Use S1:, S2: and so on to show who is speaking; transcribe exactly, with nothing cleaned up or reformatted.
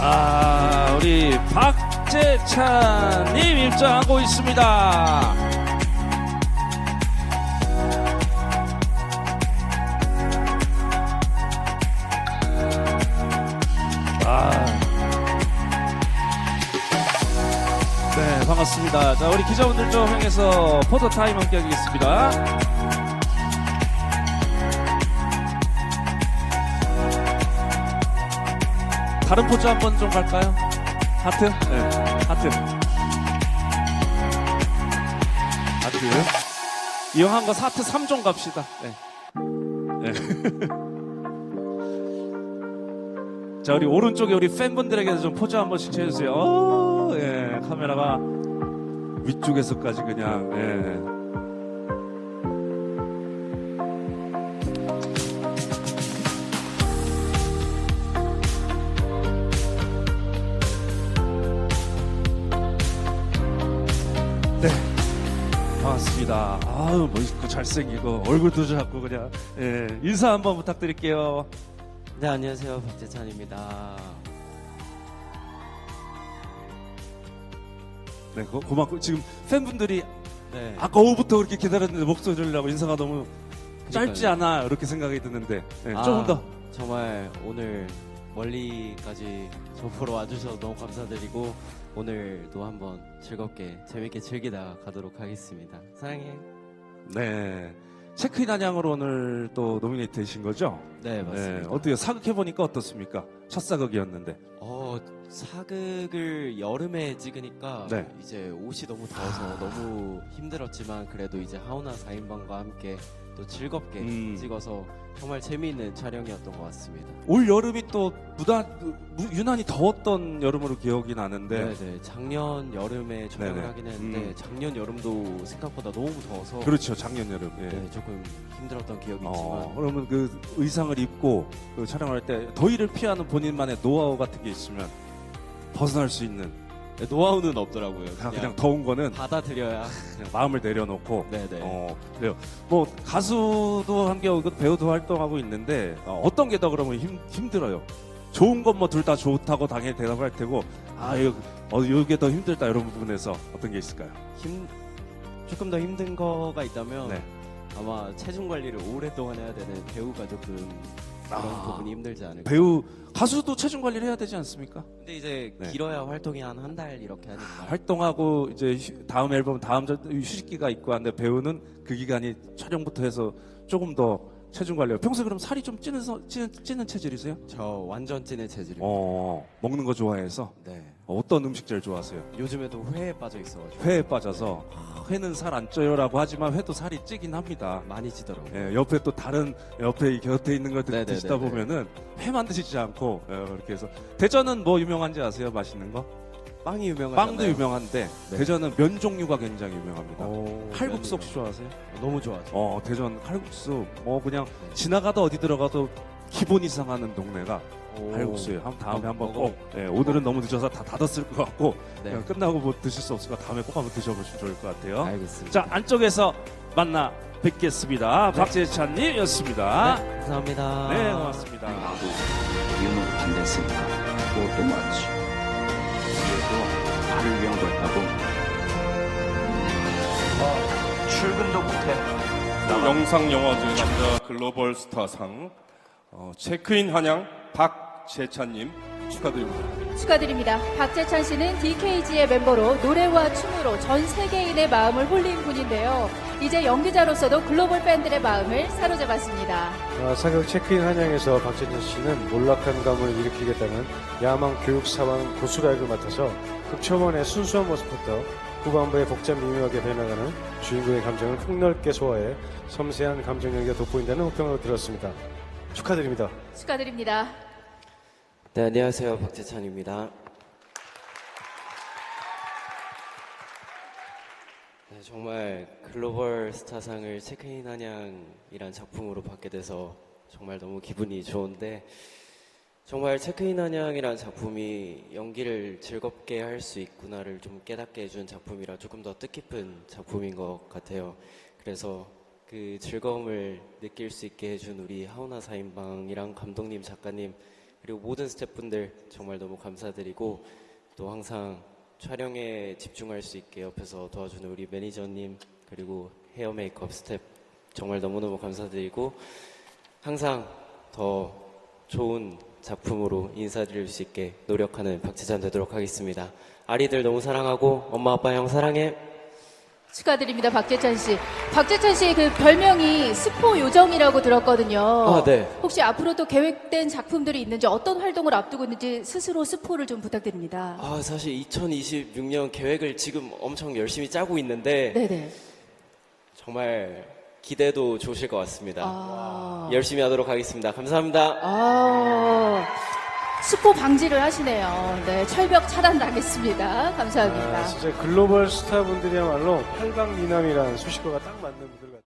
S1: 아, 우리 박재찬님 입장하고 있습니다. 아, 네, 반갑습니다. 자, 우리 기자분들 좀 향해서 포토 타임 함께 하겠습니다. 다른 포즈 한번 좀 갈까요? 하트? 네, 하트. 하트. 이왕한 거 하트 삼 종 갑시다. 네. 네. 자, 우리 오른쪽에 우리 팬분들에게도 좀 포즈 한 번씩 해주세요. 오, 예, 카메라가 위쪽에서까지 그냥, 예. 네, 반갑습니다. 아유, 멋있고 잘생기고 얼굴도 작고 그냥, 예, 인사 한번 부탁드릴게요.
S2: 네, 안녕하세요. 박재찬입니다.
S1: 네, 고, 고맙고 지금 팬분들이
S2: 네.
S1: 아까 오후부터 그렇게 기다렸는데 목소리 들으려고 인사가 너무 짧지
S2: 그러니까요.
S1: 않아 이렇게 생각이 드는데, 네,
S2: 아,
S1: 조금 더.
S2: 정말 오늘 멀리까지 저 보러 와주셔서 너무 감사드리고 오늘도 한번 즐겁게 재밌게 즐기다 가도록 하겠습니다. 사랑해.
S1: 네, 체크인 한양으로 오늘 또 노미네이트 되신 거죠?
S2: 네, 맞습니다.
S1: 네, 어때요? 사극해보니까 어떻습니까? 첫 사극이었는데.
S2: 어, 사극을 여름에 찍으니까
S1: 네.
S2: 이제 옷이 너무 더워서 너무 힘들었지만 그래도 이제 하우나 사 인방과 함께 또 즐겁게
S1: 음.
S2: 찍어서 정말 재미있는 촬영이었던 것 같습니다.
S1: 올 여름이 또 무다, 무- 유난히 더웠던 여름으로 기억이 나는데.
S2: 네네. 작년 여름에 촬영을
S1: 네네.
S2: 하긴 했는데
S1: 음.
S2: 작년 여름도 생각보다 너무 더워서
S1: 그렇죠, 작년 여름. 예.
S2: 네, 조금 힘들었던 기억이
S1: 어,
S2: 있지만
S1: 그러면 그 의상을 입고 그 촬영할 때 더위를 피하는 본인만의 노하우 같은 게 있으면 벗어날 수 있는,
S2: 네, 노하우는 없더라고요.
S1: 그냥,
S2: 그냥,
S1: 그냥 더운 거는
S2: 받아들여야.
S1: 그냥 마음을 내려놓고.
S2: 네네.
S1: 어, 그래요. 뭐 가수도 함께 하고 배우도 활동하고 있는데 어, 어떤 게 더 그러면 힘, 힘들어요? 좋은 건 뭐 둘 다 좋다고 당연히 대답할 테고, 아 이거 어, 이게 더 힘들다 이런 부분에서 어떤 게 있을까요?
S2: 힘 조금 더 힘든 거가 있다면
S1: 네.
S2: 아마 체중 관리를 오랫동안 해야 되는 배우가 조금 그런
S1: 아,
S2: 부분이 힘들지 않을까.
S1: 배우 가수도 체중 관리를 해야 되지 않습니까?
S2: 근데 이제
S1: 네.
S2: 길어야 활동이 한 한 달 이렇게 하니까.
S1: 활동하고 이제 휴- 다음 앨범 다음 저- 휴식기가 있고 한데 배우는 그 기간이 촬영부터 해서 조금 더 체중 관리를. 평소에 그럼 살이 좀 찌는 서- 찌는, 찌는 체질이세요?
S2: 저 완전 찐의 체질입니다.
S1: 어, 먹는 거 좋아해서.
S2: 네.
S1: 어, 어떤 음식 제일 좋아하세요?
S2: 요즘에도 회에 빠져 있어가지고
S1: 회에 빠져서. 아, 회는 살 안 쪄요라고 하지만 회도 살이 찌긴 합니다.
S2: 많이 찌더라고요.
S1: 예, 옆에 또 다른 옆에 이 곁에 있는 걸 드-
S2: 네네네네.
S1: 드시다 보면은 회만 드시지 않고, 예, 그렇게 해서. 대전은 뭐 유명한지 아세요? 맛있는 거?
S2: 빵이 유명하잖아요.
S1: 빵도 유명한데
S2: 네.
S1: 대전은 면 종류가 굉장히 유명합니다.
S2: 오,
S1: 칼국수
S2: 면이요.
S1: 혹시 좋아하세요?
S2: 너무 좋아하죠.
S1: 어, 대전 칼국수. 뭐 그냥 지나가다 어디 들어가도 기본 이상 하는 동네가
S2: 오.
S1: 칼국수예요. 한 다음에
S2: 어,
S1: 한번
S2: 먹어.
S1: 꼭. 예, 오늘은 너무 늦어서 다 닫았을 것 같고,
S2: 네.
S1: 그냥 끝나고 뭐 드실 수 없으니까 다음에 꼭 한번 드셔보시면 좋을 것 같아요.
S2: 알겠습니다.
S1: 자, 안쪽에서 만나 뵙겠습니다.
S2: 네.
S1: 박재찬님이었습니다.
S2: 네, 감사합니다.
S1: 네, 고맙습니다.
S3: 나도 이유는 반대했으니까 그것도 맞지. 그래도 나를 위한 거였다고. 어, 출근도 못해.
S4: 영상영화제 남자 글로벌 스타상 어, 체크인 한양 박재찬님 축하드립니다.
S5: 축하드립니다. 박재찬 씨는 디케이지의 멤버로 노래와 춤으로 전 세계인의 마음을 홀린 분인데요. 이제 연기자로서도 글로벌 팬들의 마음을 사로잡았습니다.
S6: 어, 사격 체크인 한양에서 박재찬 씨는 몰락한 감을 일으키겠다는 야망 교육 사원 고수라 역을 맡아서 극초원의 순수한 모습부터 후반부에 복잡 미묘하게 변해가는 주인공의 감정을 폭넓게 소화해 섬세한 감정 연기가 돋보인다는 호평을 들었습니다. 축하드립니다.
S5: 축하드립니다.
S2: 네, 안녕하세요. 박재찬입니다. 네, 정말 글로벌 스타상을 체크인 한양이란 작품으로 받게 돼서 정말 너무 기분이 좋은데, 정말 체크인 한양이란 작품이 연기를 즐겁게 할 수 있구나를 좀 깨닫게 해준 작품이라 조금 더 뜻깊은 작품인 것 같아요. 그래서 그 즐거움을 느낄 수 있게 해준 우리 하우나 사 인방이랑 감독님, 작가님, 그리고 모든 스태프분들 정말 너무 감사드리고 또 항상 촬영에 집중할 수 있게 옆에서 도와주는 우리 매니저님 그리고 헤어 메이크업 스태프 정말 너무너무 감사드리고 항상 더 좋은 작품으로 인사드릴 수 있게 노력하는 박재찬 되도록 하겠습니다. 아리들 너무 사랑하고 엄마 아빠 형 사랑해.
S5: 축하드립니다, 박재찬 씨. 박재찬 씨 그 별명이 스포 요정이라고 들었거든요.
S2: 아, 네.
S5: 혹시 앞으로 또 계획된 작품들이 있는지 어떤 활동을 앞두고 있는지 스스로 스포를 좀 부탁드립니다.
S2: 아 사실 이천이십육 년 계획을 지금 엄청 열심히 짜고 있는데
S5: 네네.
S2: 정말 기대도 좋으실 것 같습니다.
S5: 아,
S2: 열심히 하도록 하겠습니다. 감사합니다.
S5: 아, 스포 방지를 하시네요. 네, 철벽 차단 당했습니다. 감사합니다.
S6: 아, 진짜 글로벌 스타분들이야말로 팔방미남이라는 수식어가 딱 맞는 분들 같아요.